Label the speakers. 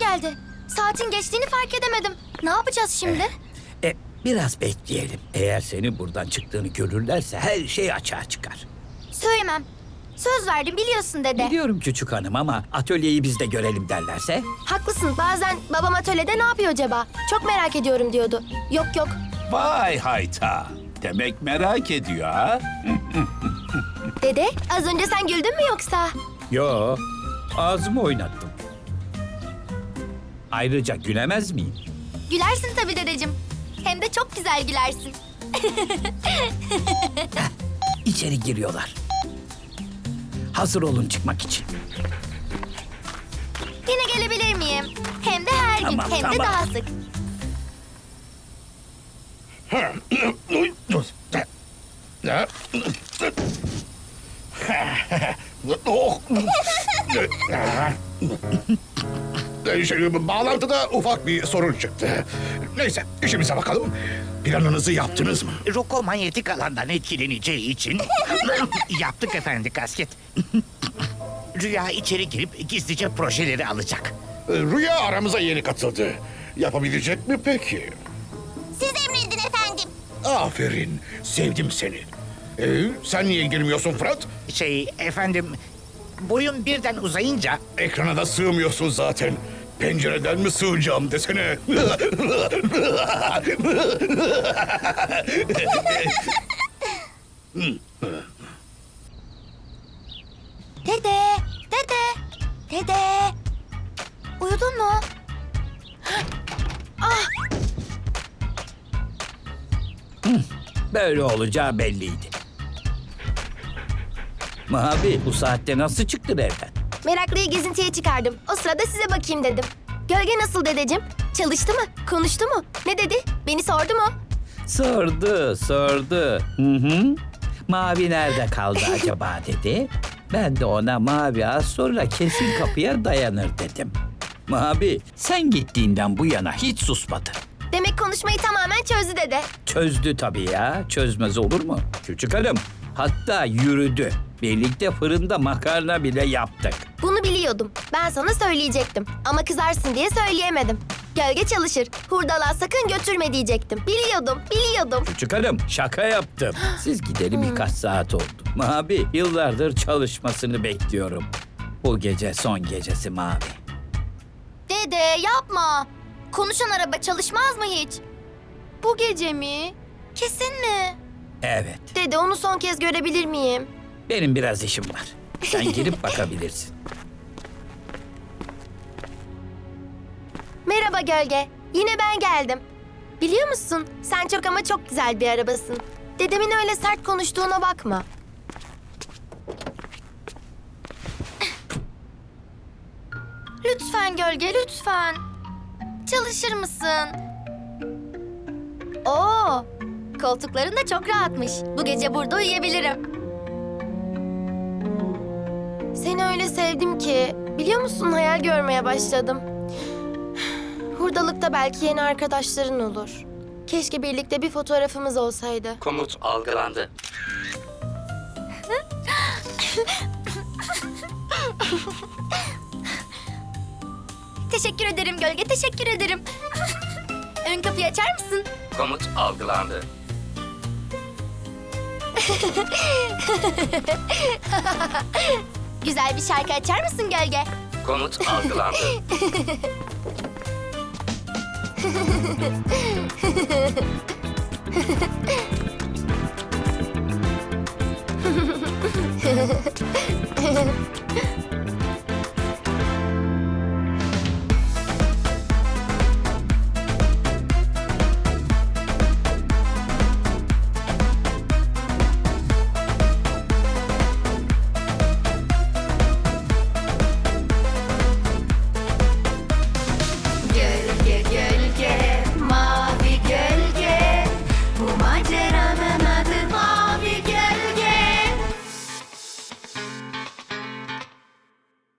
Speaker 1: geldi. Saatin geçtiğini fark edemedim. Ne yapacağız şimdi?
Speaker 2: Biraz bekleyelim. Eğer senin buradan çıktığını görürlerse her şey açığa çıkar.
Speaker 1: Söylemem. Söz verdim biliyorsun dede.
Speaker 2: Biliyorum küçük hanım ama atölyeyi biz de görelim derlerse.
Speaker 1: Haklısın. Bazen babam atölyede ne yapıyor acaba? Çok merak ediyorum diyordu. Yok yok.
Speaker 3: Vay hayta. Demek merak ediyor ha?
Speaker 1: Dede az önce sen güldün mü yoksa?
Speaker 2: Yo, ağzımı oynattım. Ayrıca gülemez miyim?
Speaker 1: Gülersin tabii dedeciğim. Hem de çok güzel gülersin.
Speaker 2: İçeri giriyorlar. Hazır olun çıkmak için.
Speaker 1: Yine gelebilir miyim? Hem de her gün,
Speaker 2: Tamam,
Speaker 1: hem de
Speaker 2: tamam.
Speaker 1: daha sık.
Speaker 4: Bağlantıda ufak bir sorun çıktı. Neyse, işimize bakalım. Planınızı yaptınız mı?
Speaker 5: Roko manyetik alandan etkileneceği için yaptık efendi kasket. Rüya içeri girip gizlice projeleri alacak.
Speaker 4: Rüya aramıza yeni katıldı. Yapabilecek mi peki?
Speaker 1: Siz emredin efendim.
Speaker 4: Aferin, sevdim seni. Sen niye girmiyorsun Fırat?
Speaker 5: Efendim, boyum birden uzayınca
Speaker 4: Ekrana da sığmıyorsun zaten. Pencereden mi sığacağım desene.
Speaker 1: Dede, dede, dede. Uyudun mu?
Speaker 2: Böyle olacağı belliydi. Mavi, bu saatte nasıl çıktın evden?
Speaker 1: Meraklıyı gezintiye çıkardım. O sırada size bakayım dedim. Gölge nasıl dedeciğim? Çalıştı mı? Konuştu mu? Ne dedi? Beni sordu mu?
Speaker 2: Sordu. Hı. Mavi nerede kaldı acaba dedi. Ben de ona Mavi az sonra kesin kapıya dayanır dedim. Mavi, sen gittiğinden bu yana hiç susmadı.
Speaker 1: Demek konuşmayı tamamen çözdü dede.
Speaker 2: Çözdü tabii ya. Çözmez olur mu? Küçük hanım. Hatta yürüdü. Birlikte fırında makarna bile yaptık.
Speaker 1: Bunu biliyordum. Ben sana söyleyecektim. Ama kızarsın diye söyleyemedim. Gölge çalışır. Hurdalığa sakın götürme diyecektim. Biliyordum.
Speaker 2: Küçük hanım şaka yaptım. Siz gidelim birkaç saat oldu. Mavi yıllardır çalışmasını bekliyorum. Bu gece son gecesi Mavi.
Speaker 1: Dede yapma. Konuşan araba çalışmaz mı hiç? Bu gece mi? Kesin mi?
Speaker 2: Evet.
Speaker 1: Dede onu son kez görebilir miyim?
Speaker 2: Benim biraz işim var. Sen girip bakabilirsin.
Speaker 1: Merhaba Gölge. Yine ben geldim. Biliyor musun? Sen çok ama çok güzel bir arabasın. Dedemin öyle sert konuştuğuna bakma. Lütfen Gölge, lütfen. Çalışır mısın? Oo, koltukların da çok rahatmış. Bu gece burada uyuyabilirim. Seni öyle sevdim ki, biliyor musun hayal görmeye başladım. Hurdalıkta belki yeni arkadaşların olur. Keşke birlikte bir fotoğrafımız olsaydı.
Speaker 6: Komut algılandı.
Speaker 1: Teşekkür ederim Gölge, teşekkür ederim. Ön kapıyı açar mısın?
Speaker 6: Komut algılandı.
Speaker 1: Güzel bir şarkı açar mısın Gölge?
Speaker 6: Komut algılandı.